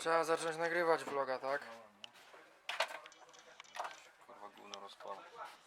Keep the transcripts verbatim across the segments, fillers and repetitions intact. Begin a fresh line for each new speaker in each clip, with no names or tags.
Trzeba zacząć nagrywać vloga, tak?
Kurwa gówno rozpala.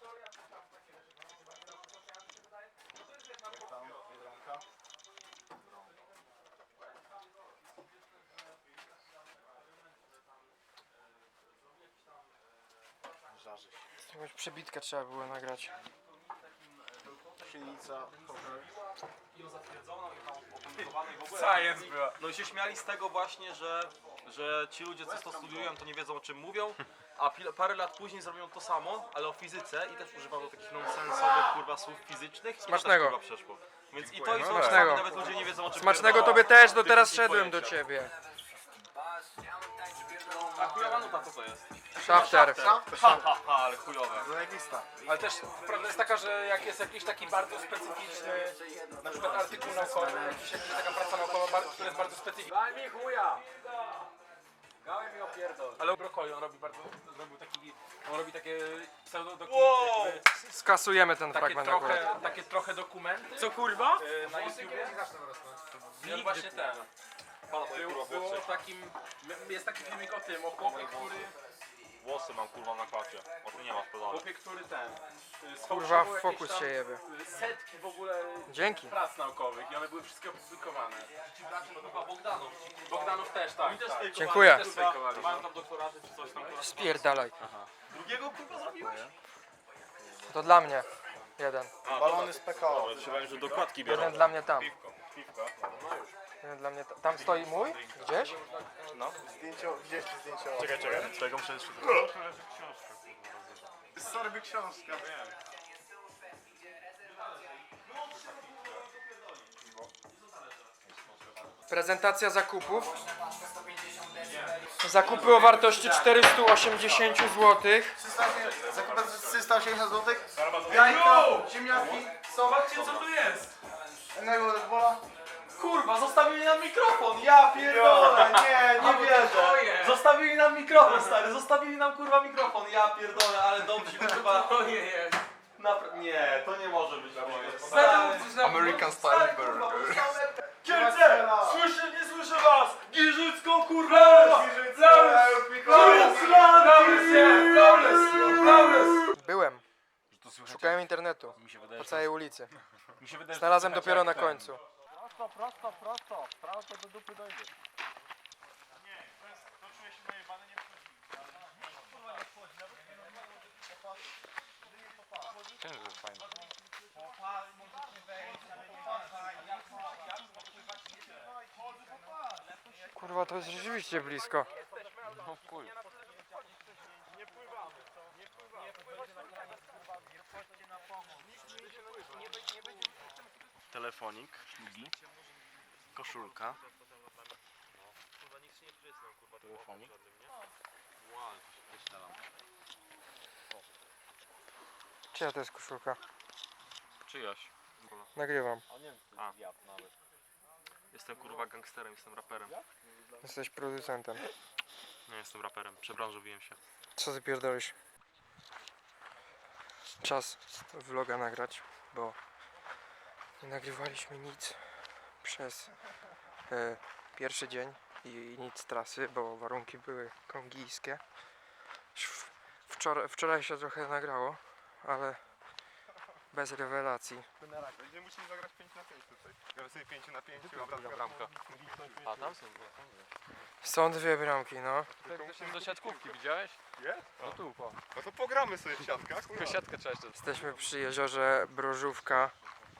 Żarzy się.
Jakąś przebitkę trzeba było nagrać.
Silnica,
I ją zatwierdzono i tam opublikowaną i w ogóle.
Science była.
No i się śmiali z tego właśnie, że, że ci ludzie, co to studiują, to nie wiedzą, o czym mówią, a pil- parę lat później zrobią to samo, ale o fizyce i też używano takich nonsensowych kurwa słów fizycznych i to
Smacznego.
też, kurwa, przeszło. Więc i to i to
Smacznego.
czasami nawet ludzie nie wiedzą, o czym
Smacznego
pierdolą.
tobie też, do
Tych
teraz
wszystkich
szedłem do
pojęcia.
ciebie.
A chujowa nuta, co to jest?
Shafter.
Ha, ha, ha, ale chujowe.
zajebista.
Ale też prawda jest taka, że jak jest jakiś taki bardzo specyficzny, na przykład artykuł naukowy, jakiś, jakaś taka praca naukowa, bar- która jest bardzo specyficzna. Daj mi chuja! Gałem mi opierdol. Ale brokoli on robi bardzo, zrobił taki, on robi takie pseudodokumenty,
Wow!
jakby
Skasujemy ten
takie
fragment akurat.
trochę, takie trochę dokumenty.
Co kurwa?
e, Na YouTubie. I on właśnie ten.
Pana moje
Był,
kurwa
było
włosy.
takim, jest taki filmik o tym, o chłopie, który,
Włosy mam kurwa na klacie. O tu nie ma sprzedane.
chłopie, który ten,
Kurwa,
e, sfałszował
w
jakieś
fokus
tam
się jebie.
setki w ogóle
Dzięki.
prac naukowych i one były wszystkie opublikowane.
Kurwa Bogdanów.
Bogdanów też, tak. tak.
Dziękuję.
Też fejkowali. Mają tam doktoraty czy coś tam.
Spierdalaj.
Drugiego kurwa zrobiłeś?
To dla mnie. Jeden.
Balony z P K O.
Myślałem, że dokładki
Jeden dla mnie tam.
Piwko.
Jeden dla mnie tam. Tam stoi mój? Gdzieś?
Zdjęcie, gdzieś ci zdjęcie.
Czekaj, czekaj. Twojego muszę jeszcze...
Sorby książka, wiem.
Prezentacja zakupów. Zakupy o wartości czterysta osiemdziesiąt złotych.
Zakupem trzysta osiemdziesiąt złotych. Jajka, ziemniaki, sok.
Zobaczcie co tu jest!
Innego Red Bulla.
Kurwa, zostawili nam mikrofon, ja pierdolę, nie, nie wierzę. Zostawili nam mikrofon, stary, zostawili nam kurwa mikrofon, ja pierdolę, ale dobrze kurwa. Ojej. Napra- nie, to nie może być moje.
American Style Burger.
Kielce! Słyszę, nie słyszę was! Giżycką kurwa!
Byłem. Szukałem internetu.
Mi się wydaje,
Po całej ulicy.
mi się wydaje, że
Znalazłem
słychać
dopiero
jak
na
ten.
końcu. Kurwa, to jest rzeczywiście blisko.
Telefonik, długi, koszulka. Telefonik.
Czyja to jest koszulka?
Czyjaś.
Nagrywam.
A. Jestem kurwa gangsterem, jestem raperem.
Jesteś producentem.
Nie jestem raperem, przebranżowiłem się.
Co ty pierdolisz? Czas vloga nagrać, bo nie nagrywaliśmy nic przez e, pierwszy dzień i nic z trasy, bo warunki były kongijskie. Sz- Wczoraj, wczoraj się trochę nagrało, ale bez rewelacji.
Będziemy musieli zagrać pięć na pięć tutaj. Gramy sobie pięć na pięć.
bramka. A tam są?
Są dwie bramki, no.
Do siatkówki widziałeś?
Jest?
No tu, po.
No to pogramy sobie w siatkach.
Tylko siatkę trzeba jeszcze.
Jesteśmy przy jeziorze Brożówka.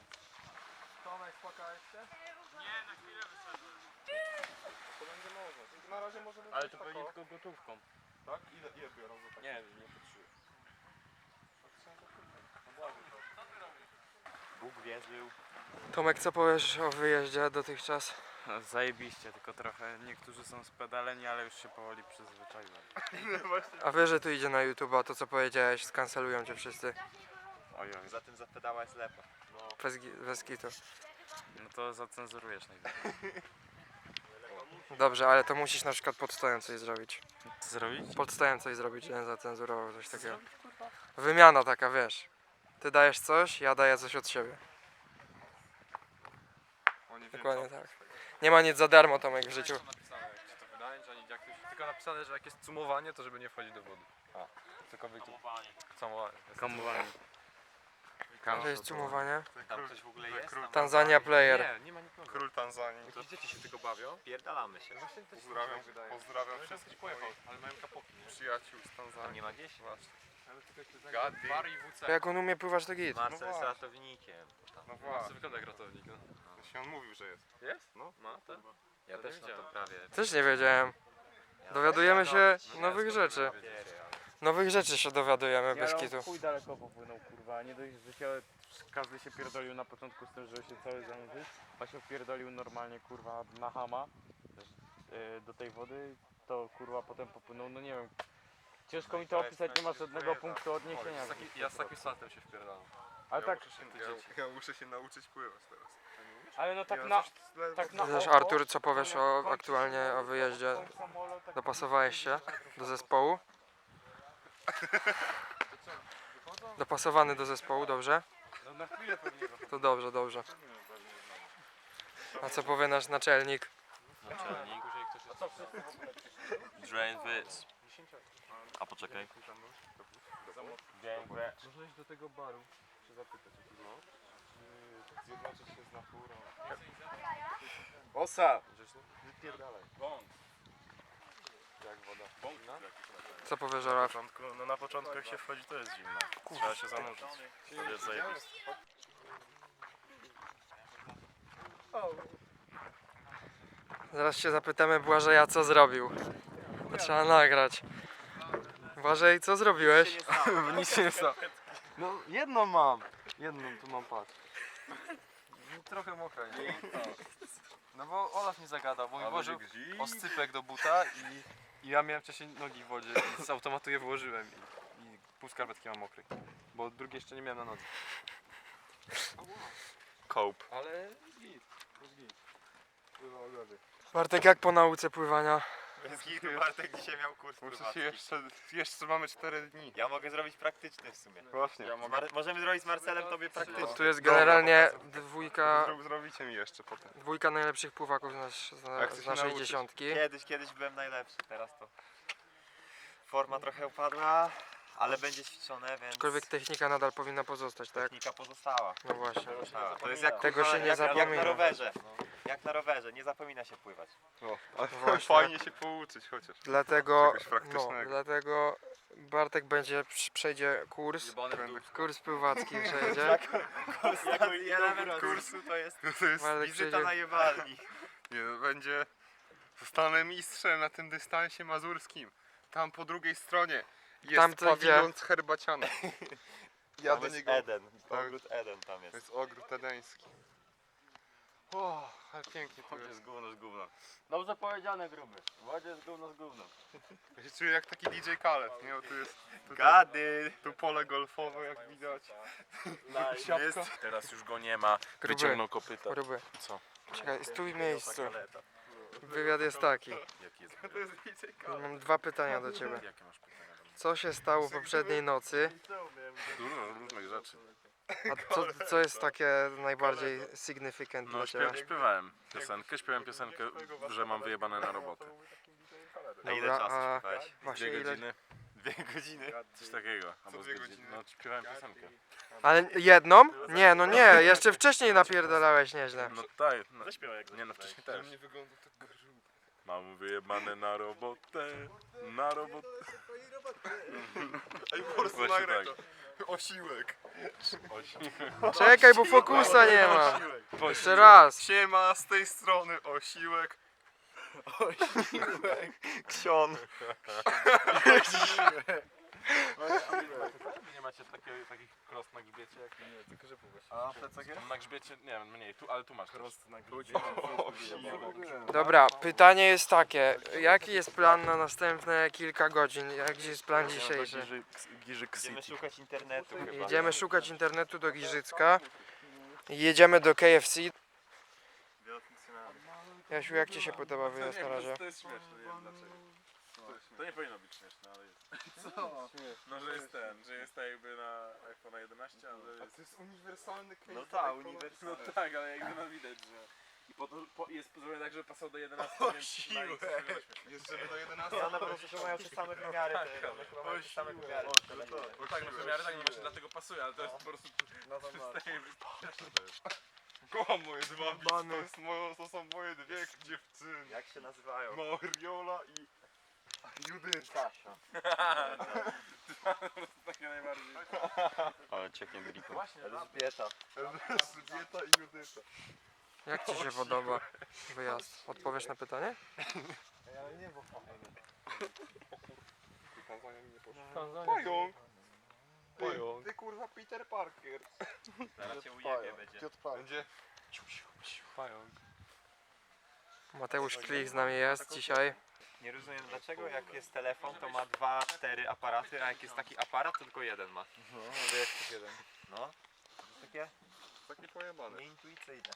Na razie może być
Ale to pewnie tylko gotówką.
tak? Ile, ile biorą za tak?
Nie wiem, nie patrzyłem. Bóg wierzył.
Tomek, co powiesz o wyjeździe dotychczas?
No, zajebiście, tylko trochę niektórzy są spedaleni, ale już się powoli przyzwyczaiłem.
A wiesz, że tu idzie na YouTube, a to co powiedziałeś, skancelują cię wszyscy.
Ojoj.
Za tym zapedała jest lepa.
Bez, gi- bez kitu.
No to zacenzurujesz najwyżej.
Dobrze, ale to musisz na przykład pod stołem coś zrobić.
Co zrobić?
Pod stołem coś zrobić, żebym zacenzurował coś takiego. Wymiana taka, wiesz. Ty dajesz coś, ja daję coś od siebie. Dokładnie tak. Nie ma nic za darmo, Tomek, w życiu.
Napisane, jak ci to wydać.
ani jak to się, tylko napisane, że jak jest cumowanie, to żeby nie wchodzić do wody. A, cokolwiek tu... Camowanie.
Kamowanie.
To jest cumowanie.
Tam ktoś w ogóle jest? Tam
Tanzania player.
Nie, nie ma nikogo.
Król Tanzanii.
Jakieś dzieci się tylko bawią.
pierdalamy się.
Właśnie też
Pozdrawiam,
mi się wydaje.
pozdrawiam
Ale
wszystkich
ktoś pojechał, ale mają kapoki, nie?
przyjaciół z
Tam
Tanzanii.
nie ma gdzieś?
Właśnie.
Ale tylko jeszcze za
Gady.
bar i W C.
Jak on umie pływać, to git.
Marcel jest
właśnie.
ratownikiem.
No
Marcel
właśnie.
wygląda jak ratownik, no.
Właśnie on mówił, że jest.
Jest? No. Ma, tak?
Ja
Ja
też
nie
na to
wiedziałem.
prawie.
Też nie wiedziałem.
Ja
Dowiadujemy
też
się
na to-
nowych
ja
rzeczy.
skąd miałem papiery, ale-
Nowych rzeczy się dowiadujemy bez
Ja
kitu.
chuj daleko popłynął, kurwa. Nie dość, że się każdy się pierdolił na początku z tym, żeby się cały zanurzyć, a się wpierdolił normalnie, kurwa, na hama też, yy, do tej wody, to kurwa potem popłynął, no nie wiem. Ciężko mi to opisać, nie ma żadnego punktu odniesienia.
Z taki, ja z takim saltem się wpierdalam.
Ale tak,
Muszę się, ja, ja muszę się nauczyć pływać teraz.
ale no tak
Ja
na...
coś ledwo-
Tak na
Wiesz,
oko,
Artur, co
to
powiesz
jak
o
kończy
aktualnie
się
o wyjeździe?
kończy samolot, tak
Dopasowałeś się do zespołu? Dopasowany do zespołu, dobrze?
No na chwilę pewnie.
To dobrze, dobrze. A co powie nasz naczelnik?
Naczelnik. Drain this. A poczekaj.
Można iść do tego baru, się zapytać. No. Czy zjednoczyć się z naturą.
Osa!
Wypierdalaj. Bąk. Jak woda. Bąk, no?
Co powiesz,
Na
Olaf?
początku, no na początku jak się wchodzi to jest zimno. Trzeba się zanurzyć. To jest zajebiste.
Zaraz się zapytamy Błażeja, co zrobił. To trzeba nagrać. Błażej, co zrobiłeś?
Nic się nie stało. No jedną mam. Jedną tu mam, patrz. No, trochę mokra, nie? No bo Olaf mnie zagadał, bo mi włożył oscypek do buta i, i ja miałem wcześniej nogi w wodzie i z automatu je włożyłem i, i pół skarpetki mam mokrej. Bo drugie jeszcze nie miałem na nodze.
Cope.
Ale git, git. Pływał ogody.
Bartek, jak po nauce pływania?
Bez hitu Bartek dzisiaj miał kurs
Muszę się
pływacki.
jeszcze, jeszcze mamy cztery dni.
Ja mogę zrobić praktyczny w sumie.
Właśnie.
Mar- możemy zrobić z Marcelem tobie praktyczny.
Tu jest generalnie dwójka,
Zro- Zrobicie mi jeszcze potem.
dwójka najlepszych pływaków z, nas,
Jak
z,
chcesz
z naszej
nauczyć?
dziesiątki.
Kiedyś, kiedyś byłem najlepszy, teraz to forma trochę upadła, ale będzie ćwiczone, więc
Aczkolwiek technika nadal powinna pozostać, tak?
technika pozostała.
No właśnie.
pozostała. To jest jak,
Tego się nie
jak, jak
zapomina.
na rowerze. Jak na rowerze, nie zapomina się pływać.
O, ale
Właśnie.
fajnie się pouczyć chociaż.
Dlatego,
Czegoś
no,
praktycznego.
dlatego Bartek będzie, przejdzie kurs, kurs pływacki przejdzie.
Ostatni element kursu to jest
To jest,
Bartek
wizyta
przejdzie
na jewalni.
nie, no, będzie... Zostanę mistrzem na tym dystansie mazurskim. Tam po drugiej stronie jest
Tam to
pawilon z herbacianem. Ja
Tam
do
jest
niego...
Eden,
Tak.
ogród Eden tam
To
jest.
jest ogród edeński. O, ale pięknie tu
To
jest.
jest gówno z gówno.
Dobrze powiedziane, gruby. W wodzie jest gówno z gówno.
Ja się czuję jak taki D J Khaled, nie? Bo tu jest... Tu,
Gady!
tu pole golfowe jak widać.
Jest
Teraz już go nie ma.
Gruby,
Wyciągnął kopyta.
gruby.
Co?
Czekaj, stój w miejscu. Wywiad jest taki.
Jaki jest?
To jest D J Khaled.
Mam dwa pytania do ciebie.
Jakie masz pytania?
Co się stało poprzedniej nocy?
Dużo różnych rzeczy.
A co, co jest takie najbardziej significant
No
dla ciebie?
śpiew, śpiewałem piosenkę, śpiewałem piosenkę, że mam wyjebane na robotę.
A ile
Dobra,
czasu
a
śpiewałeś?
właśnie
Dwie
ile...
godziny,
Dwie godziny.
coś takiego. Albo z
dwie
godziny.
godziny?
No śpiewałem piosenkę.
Ale jedną? Nie, no nie, jeszcze wcześniej napierdalałeś nieźle.
No tak, no,
Zaśpiewaj jak
nie no wcześniej
Ale
też.
nie wygląda tak grzyb.
Mam wyjebane na robotę, na robotę.
Ej, po prostu
Właśnie
nagraj
tak.
to. Osiłek.
Czekaj, bo fokusa nie ma. Jeszcze raz.
Siema, z tej strony Osiłek.
Ksion.
Nie macie takiego, takich cross na grzbiecie jak nie, tylko że właśnie.
A plecak jest?
Na grzbiecie, nie wiem, mniej, tu, ale tu masz cross na
Dobra, pytanie jest takie. Jaki jest plan na następne kilka godzin? Jaki jest plan dzisiejszy?
Giżyk
Będziemy szukać internetu chyba.
Jedziemy szukać internetu do Giżycka. Jedziemy do K F C. Jasiu, jak ci się podoba wyjazd na razie?
To jest śmieszne, nie wiem dlaczego. To nie powinno być śmieszne, ale jest. Co? No, że jest ten, że jest tak jakby na iPhone jedenaście, ale
A to jest uniwersalny case.
No tak,
iPhone'a.
uniwersalny.
No tak, ale jakby no widać, że...
Po to, po, jest zrobione tak, żeby pasował do jedenastki, więc przynajmniej coś sobie weźmie.
Jeszcze do jedenastej.
Ja na pewno, że mają te same wymiary, te, one chyba mają te same wymiary.
No tak, no wymiary tak nie właśnie dlatego pasuje, ale to jest po prostu
No to masz.
Kocham moje dwa bici, to, jest moje, to są moje dwie dziewczyny.
Jak się nazywają?
Mariola i Judyta.
takie najbardziej.
Ale cieknie driko.
Właśnie,
Elżbieta.
Elżbieta i Judyta.
Jak ci się podoba wyjazd? Odpowiesz na pytanie?
Pająk. Ty,
Pająk.
ty kurwa Peter Parker.
Zaraz cię ujebie będzie.
Będzie.
Pająk.
Mateusz Klich z nami jest dzisiaj.
Nie rozumiem dlaczego jak jest telefon to ma dwa, cztery aparaty, a jak jest taki aparat to tylko jeden ma.
No, ale jak to jeden?
No. To jest takie
Taki pojebany.
nieintuicyjne.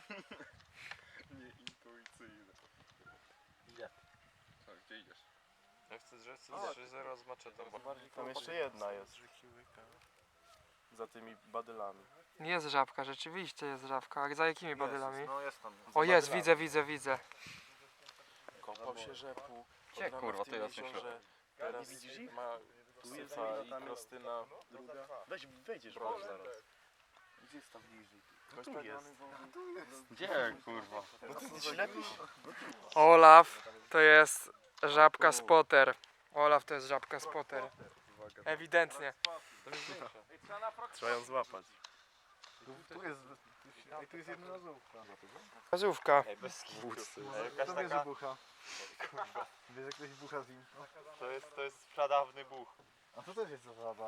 Nieintuicyjny.
Idzie.
Co, gdzie idziesz?
Ja chcę zrzec trzy zero z maczetą.
Tam jeszcze jedna jest. Za tymi badylami.
Jest żabka, rzeczywiście jest żabka. A za jakimi badylami?
No jest tam.
O jest, widzę, widzę, widzę.
Kopał się rzepu.
Gdzie, kurwa, to ja coś
jeziorze. Teraz nie widzisz ich? Ma Syfa i Krostyna druga. Weź, wejdziesz bo zaraz. Gdzie jest tam bliżej? No tu jest.
Gdzie, kurwa?
No ty nie ślepisz?
Olaf to jest żabka spotter. Olaf to jest żabka spotter. Ewidentnie.
Trzeba ją złapać. Tu jest, tu jest jedna razówka.
Gazówka.
Ej, bez kitu.
Kto
Jakaś
wie, że
taka,
bucha? Wiesz, jak ktoś bucha z nim?
to jest, to jest pradawny buch.
A to też jest zasada.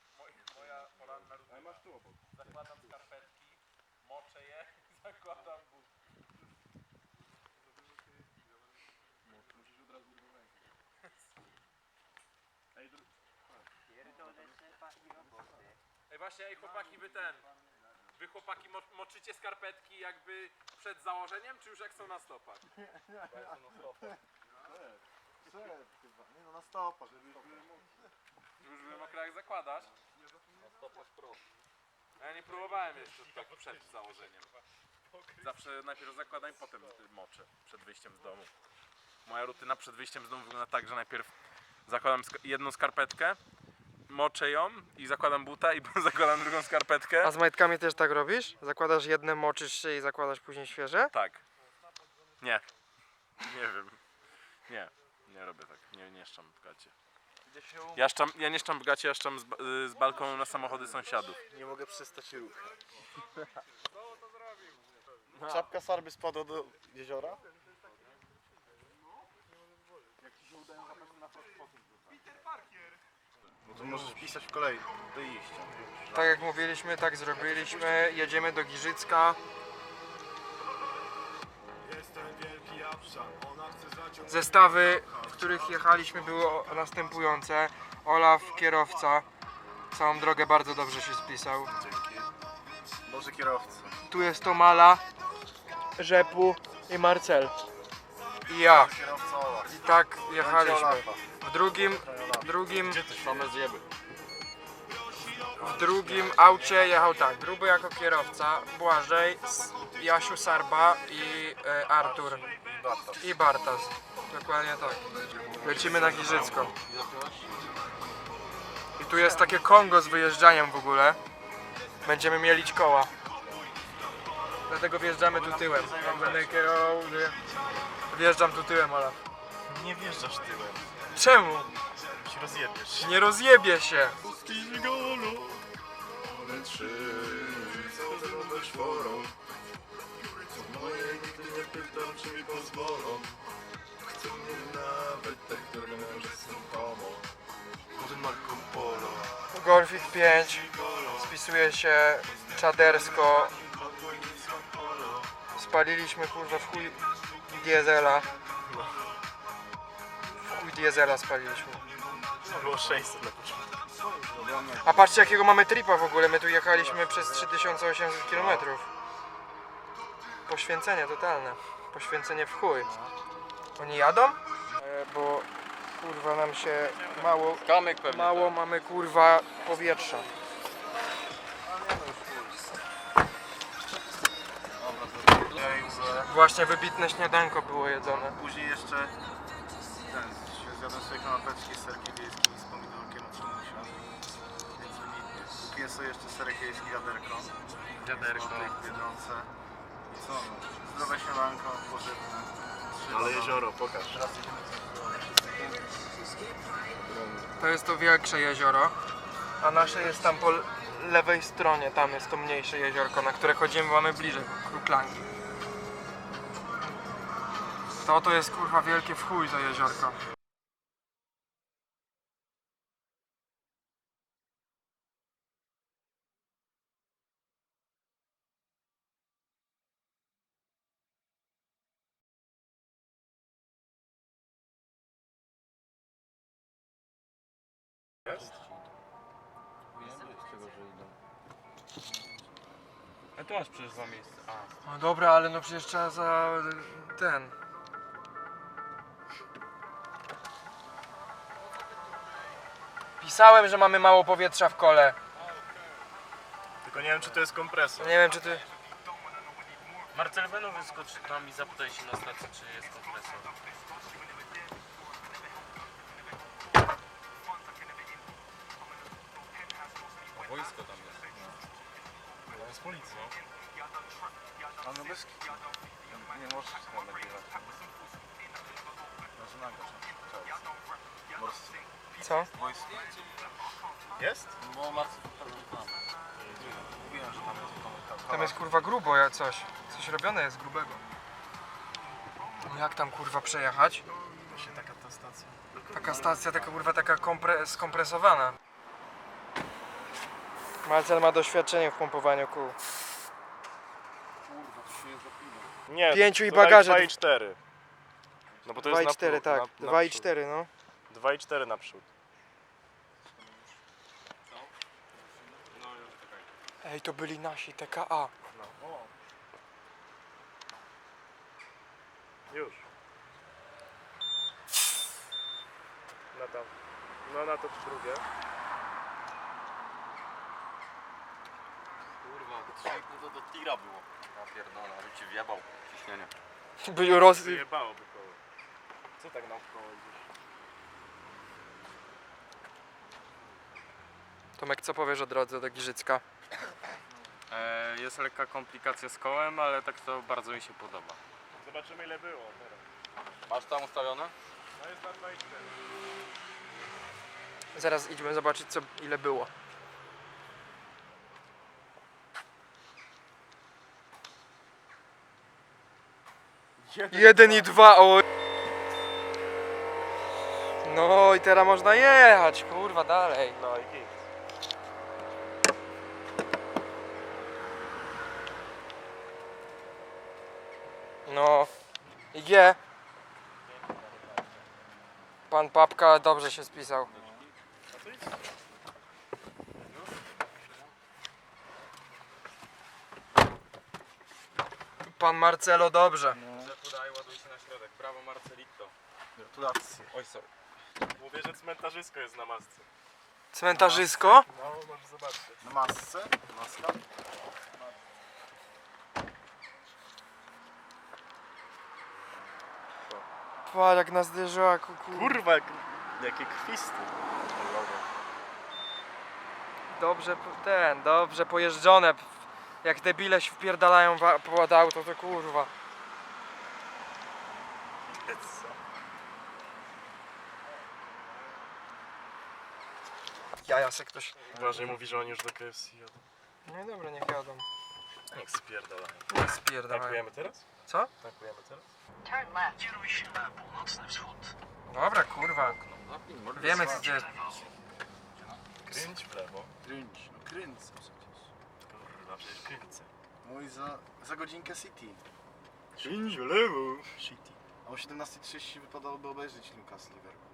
zakładam skarpetki, moczę je, zakładam but. Ej właśnie, ej chłopaki, wy ten, wy chłopaki mo moczycie skarpetki jakby przed założeniem, czy już jak są na stopach?
Nie no, na stopach.
Żeby już były mokre jak zakładasz? Na stopach prosto. Ja nie próbowałem jeszcze tak przed założeniem. Zawsze najpierw zakładam i potem moczę przed wyjściem z domu. Moja rutyna przed wyjściem z domu wygląda tak, że najpierw zakładam sk jedną skarpetkę, moczę ją i zakładam buta i zakładam drugą skarpetkę.
A z majtkami też tak robisz? Zakładasz jedne, moczysz się i zakładasz później świeże?
Tak. Nie. Nie wiem. Nie. Nie robię tak. Nie, nie szczam w gacie. Ja, szczam, ja nie szczam w gacie, ja szczam z, ba- z balkonu na samochody sąsiadów.
Nie mogę przestać ruch. Czapka Sarby spadła do jeziora? No to możesz pisać w kolei do iścia.
Tak jak mówiliśmy, tak zrobiliśmy. Jedziemy do Giżycka. Zestawy, w których jechaliśmy, były następujące. Olaf, kierowca. Całą drogę bardzo dobrze się spisał.
Boże kierowca.
Tu jest Tomala, Rzepu i Marcel. I ja.
Kierowca Olaf.
I tak jechaliśmy. W drugim, drugim,
Same zjeby.
w drugim aucie jechał tak. Gruby jako kierowca, Błażej, S- Jasiu Sarba i e, Artur. I Bartas. Dokładnie tak. Lecimy na Giżycko. I tu jest takie Kongo z wyjeżdżaniem w ogóle. Będziemy mielić koła. Dlatego wjeżdżamy tu tyłem. Jak będę kierował, wjeżdżam tu tyłem, Olaf.
Nie wjeżdżasz tyłem.
Czemu?
Się rozjebiesz.
Nie rozjebie się. Golfik pięć spisuje się czadersko. Spaliliśmy kurwa w chuj diesela. W chuj diesela spaliliśmy.
Było sześćset na początku.
A patrzcie jakiego mamy tripa w ogóle, my tu jechaliśmy przez trzy tysiące osiemset kilometrów. Poświęcenie totalne. Poświęcenie w chuj. Oni jadą? E, bo kurwa nam się mało,
Kamyk pewnie.
mało mamy kurwa powietrza. Właśnie wybitne śniadanko było jedzone.
Później jeszcze ten, zjadłem sobie kanapeczki z serkiem wiejskim i z pomidorkiem od Szamusia. Więc wybitnie. Kupiłem sobie jeszcze serek wiejski, wiaderko.
Wiaderko.
Złotek w Biedronce. I co no? Zdrowe śniadanko, pożywne.
Ale jezioro, pokaż.
Teraz jedziemy
To jest to większe jezioro, a nasze jest tam po lewej stronie, tam jest to mniejsze jeziorko, na które chodzimy, mamy bliżej Kruklangi. To to jest kurwa wielkie w chuj to jeziorko.
A tu masz przecież dwa miejsca. A.
No dobra, ale no przecież trzeba za ten. Pisałem, że mamy mało powietrza w kole.
Tylko nie wiem, czy to jest kompresor.
Nie wiem czy ty...
Marcel Beno wyskocz tam i zapytaj się na stacji, czy jest kompresor.
Wojsko tam jest.
To jest policja.
A no bez kitu. Nie możesz chyba nagrywać. Może nagrać. Morscy.
Co?
Jest?
Bo Marcy tam. Mówiłem, że tam jest komunikat.
Tam jest kurwa grubo jak coś. Coś robione jest grubego. No jak tam kurwa przejechać?
Właśnie taka ta stacja.
Taka stacja, taka kurwa taka kompre skompresowana. Marcel ma doświadczenie w pompowaniu kół.
Nie,
Pięciu i
to daj
bagaże.
dwa i cztery. No bo to
dwa
jest
i
na
cztery,
pró-
tak.
na- na
dwa i
przód.
cztery, no.
dwa i cztery naprzód.
Ej, to byli nasi T K A.
Już. Na tam. No na to drugie.
Kurwa, to trzy i pół to do tira było. Ja pierdolę, ale ci wjebał ciśnienie.
Byli roz...
Wyjebałoby koło. Co tak naokoło idziesz?
Tomek, co powiesz o drodze do Giżycka?
E, jest lekka komplikacja z kołem, ale tak to bardzo mi się podoba.
Zobaczymy ile było teraz.
Masz tam ustawione?
No jest na dwa i cztery.
Zaraz idźmy zobaczyć co ile było. Jeden i dwa, o. No i teraz można jechać, kurwa, dalej.
No i git.
No. I G. Pan Papka dobrze się spisał. Pan Marcelo dobrze.
Podaj, ładuj się na środek. Brawo Marcelito.
Gratulacje.
Oj, sorry.
Mówię, że cmentarzysko jest na masce.
Cmentarzysko?
No, możesz zobaczyć.
Na masce? Maska?
Patrz jak na zderzaku, kurwa.
Kurwa, jak, jakie krwisty.
Dobrze po- ten, dobrze pojeżdżone. Jak debile się wpierdalają wa- pod auto, to kurwa. Jaja se ktoś...
Uważaj, mówi, że oni już do K F C jadą.
No dobra, niech jadą.
Jak spierdalają.
Niech spierdalają.
Tankujemy teraz?
Co?
Tankujemy teraz?
Dobra, kurwa. Wiemy co to jest.
Kręć w lewo.
Kręć. No kręcę przecież.
Kurwa, przecież kręcę.
Mój za, za godzinkę City.
Kręć w lewo.
City. A o siedemnasta trzydzieści wypadałoby obejrzeć Lucas Liverpool.